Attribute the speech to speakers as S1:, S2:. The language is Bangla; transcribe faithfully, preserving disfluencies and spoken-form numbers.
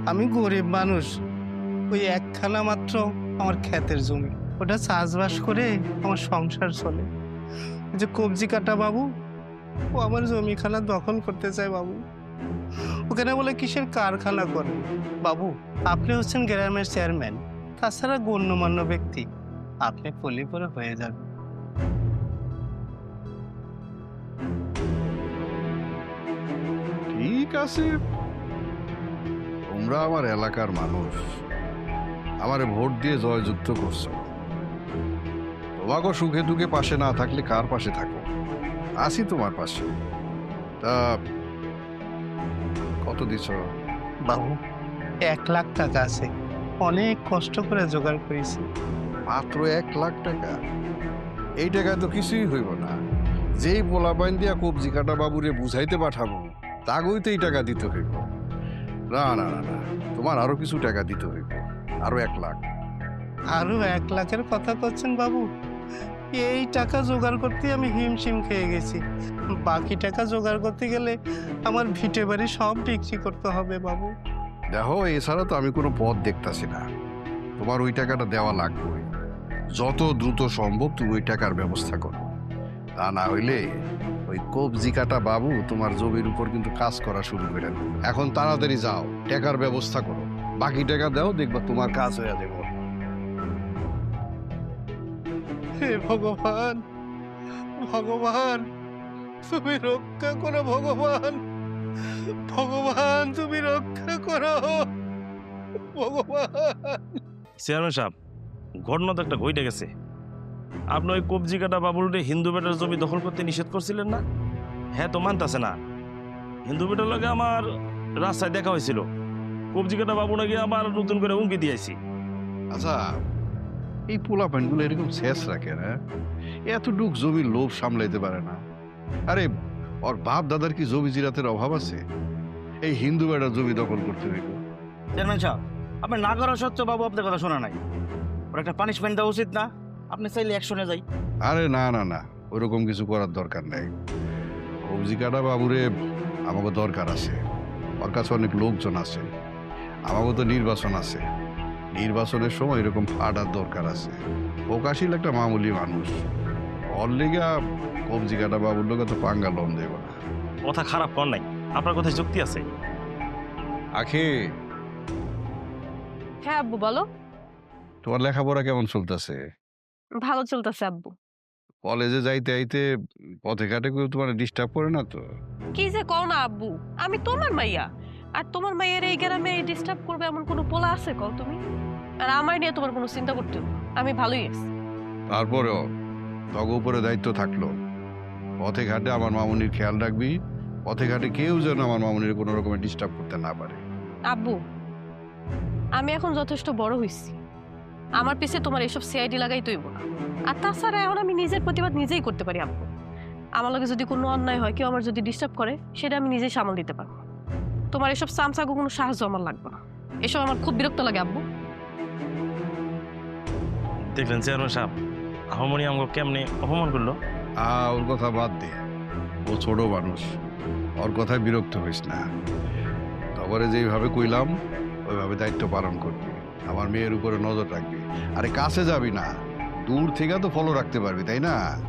S1: আমি গরিব মানুষ, ওই একখানা মাত্র আমার ক্ষেতের জমি, ওটা চাষবাস করে আমার সংসার চলে। যে কবজি কাটা বাবু, ও আমার জমিখানা দখল করতে চায় বাবু। ওখানে বলে কিসের কারখানা করবে। বাবু, আপনি হচ্ছেন গ্রামের চেয়ারম্যান, তাছাড়া গণ্যমান্য ব্যক্তি, আপনি পলি পরে হয়ে যাবেন।
S2: ঠিক আছে, তোমরা আমার এলাকার মানুষ, আমারে ভোট দিয়ে জয়যুক্ত করছো। তোমাকে সুখে দুঃখে পাশে না থাকলে কার পাশে থাকো? আসি তোমার পাশে। তা কত দিছ?
S1: বাবু, এক লাখ টাকা আছে, অনেক কষ্ট করে জোগাড় করেছি।
S2: মাত্র এক লাখ টাকা? এই টাকায় তো কিছুই হইব না। যেই পোলাপাইন দিয়া কবজি কাটা বাবুরে বুঝাইতে পাঠাবো, তাগই তো এই টাকা দিতে হইব। না না না না, তোমার আরো কিছু টাকা দিতে হইব, আরো এক লাখ।
S1: আরো এক লাখের কথা করছেন বাবু? এই টাকা জোগাড় করতে আমি হিমশিম খেয়ে গেছি। বাকি টাকা জোগাড় করতে গেলে আমার ভিটে বাড়ি সব বিক্রি করতে হবে বাবু।
S2: দেখো, এছাড়া তো আমি কোনো পথ দেখতাছি না। তোমার ওই টাকাটা দেওয়া লাগবে। যত দ্রুত সম্ভব তুমি ওই টাকার ব্যবস্থা করো। তা না হইলে ওই কবজি কাটা বাবু তোমার জমির উপর কিন্তু কাজ করা শুরু করে দেবে। এখন তাড়াতাড়ি যাও, টাকার ব্যবস্থা করো। বাকি টাকা দাও, দেখবা তোমার কাজ হয়ে যাবে।
S1: হে ভগবান, ভগবান তুমি রক্ষা করো, ভগবান, ভগবান তুমি রক্ষা করো, ভগবান।
S3: চেয়ারম্যান সাহেব, ঘটনা তো একটা ঘটে গেছে। আপনি ওই কবজি কাটা বাবুলরে হিন্দু বেটার জমি দখল করতে নিষেধ করছিলেন না? হ্যাঁ, তো মানতাছে না। হিন্দু বেটার লগে আমার রাস্তায় দেখা হয়েছিল। কবজি কাটা বাবু নাকি আবার নতুন করে হুমকি দিয়েছি।
S2: আচ্ছা, এই পোলা প্যান্টগুলো এরকম শেষ রাখে না? এতটুক জমির লোভ সামলাইতে পারে না? আরে ওর বাপ দাদার কি জমি জিরাতের অভাব আছে? এই হিন্দু বেটার জমি দখল করতে হইব?
S4: চেয়ারম্যান সাহেব, আপনি না করা সত্ত্বেও বাবু আপনার কথা শোনা নাই। ওর একটা পানিশমেন্ট দেওয়া উচিত না? আপনি চাইলে অ্যাকশনে যাই।
S2: আরে না না না, ওরকম কিছু করার দরকার নেই। কবজি কাটা বাবুরে আমাকে দরকার আছে। ওর কাছে অনেক লোকজন আছে। আমাকে তো নির্বাচন আছে। নির্বাচনের সময় এরকম ফাটার দরকার আছে। প্রকাশিল একটা মামুলি মানুষ, ওর লেগা কবজি কাটা বাবুর লোক তো পাঙ্গা লম দেব না।
S3: কথা খারাপ কর নাই, আপনার কথায় যুক্তি আছে।
S2: আখে,
S5: হ্যাঁ আব্বু বলো।
S2: তোমার লেখাপড়া কেমন চলতেছে?
S5: ভালো চলতেছে আব্বু।
S2: কলেজে যাইতে আইতে পথে ঘাটে কেউ তোমার ডিস্টার্ব করে না তো?
S5: কি যে কও না আব্বু, আমি তোমার মাইয়া, আর তোমার মাইয়ের এই গ্রামে ডিস্টার্ব করবে এমন কোনো পোলা আছে কও তুমি? আর আমার নিয়ে তোমার কোনো চিন্তা করতে হবে না, আমি ভালোই আছি।
S2: তারপরেও তগ উপরে দায়িত্ব থাকলো, পথে ঘাটে আমার মামুনির খেয়াল রাখবি। পথে ঘাটে কেউ যেন আমার মামুনির কোনো রকমের ডিস্টার্ব করতে না পারে।
S5: আব্বু, আমি এখন যথেষ্ট বড় হইছি, আমার পিছে তোমার এসব সিআইডি লাগাই তৈব না। আর তাছাড়া এখন আমি নিজের প্রতিবাদ নিজেই করতে পারি আব্বু। আমার লগে যদি কোনো অন্যায় হয়, কেউ আমার যদি ডিস্টার্ব করে, সেটা আমি নিজেই সামাল দিতে পারবো। তোমার এসব সামসাগো কোনো সাহায্য আমার লাগবে না। এসব আমার খুব বিরক্ত লাগে আব্বু।
S3: দেখলেন চেয়ারম্যান সাহেব, আহমনি আমাকে কেমনে অপমান করলো।
S2: আ ওর কথা বাদ দে, ও ছোট মানুষ, ওর কথায় বিরক্ত হইস না। তবরে যেইভাবে কইলাম ওইভাবে দায়িত্ব পালন করবি। আমার মেয়ের উপরে নজর রাখবি। আরে কাছে যাবি না, দূর থেকে তো ফলো রাখতে পারবি, তাই না?